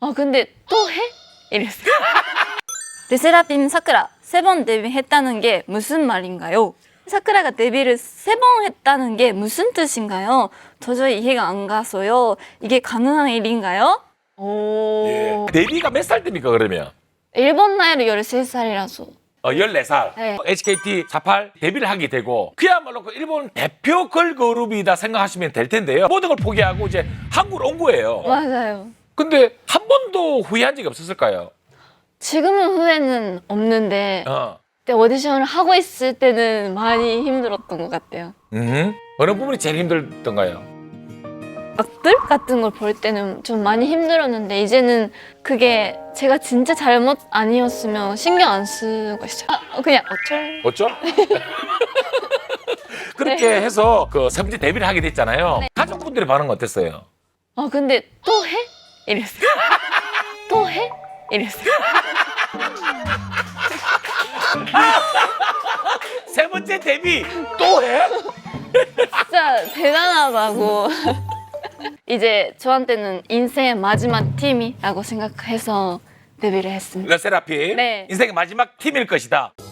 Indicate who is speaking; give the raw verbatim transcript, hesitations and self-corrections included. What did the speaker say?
Speaker 1: 아 근데 또 해? 이랬어요. 르세라핌 사쿠라 세 번 데뷔했다는 게 무슨 말인가요? 사쿠라가 데뷔를 세 번 했다는 게 무슨 뜻인가요? 도저히 이해가 안 가서요. 이게 가능한 일인가요? 오.
Speaker 2: 예. 데뷔가 몇 살 때입니까 그러면?
Speaker 1: 일본 나이로 열세 살이라서.
Speaker 2: 어, 열네 살.
Speaker 1: 네.
Speaker 2: 에이치케이티 사십팔 데뷔를 하게 되고 그야말로 그 일본 대표 걸그룹이다 생각하시면 될 텐데요. 모든 걸 포기하고 이제 한국으로 온 거예요.
Speaker 1: 맞아요.
Speaker 2: 근데 한 번도 후회한 적이 없었을까요?
Speaker 1: 지금은 후회는 없는데
Speaker 2: 어.
Speaker 1: 그때 오디션을 하고 있을 때는 많이 힘들었던 것 같아요.
Speaker 2: 음. 어느 부분이 제일 힘들던가요?
Speaker 1: 악들 같은 걸 볼 때는 좀 많이 힘들었는데 이제는 그게 제가 진짜 잘못 아니었으면 신경 안 쓰고 있어요. 아, 그냥 어쩔.
Speaker 2: 어쩌? 그렇게 해서 그 세 번째 데뷔를 하게 됐잖아요.
Speaker 1: 네.
Speaker 2: 가족분들의 반응은 어땠어요?
Speaker 1: 아 근데 또 해? 이랬어요. 또 해? 이랬어요.
Speaker 2: 세 번째 데뷔 또 해?
Speaker 1: 진짜 대단하다고. 이제 저한테는 인생의 마지막 팀이라고 생각해서 데뷔를 했습니다.
Speaker 2: 르세라핌
Speaker 1: 네.
Speaker 2: 인생의 마지막 팀일 것이다.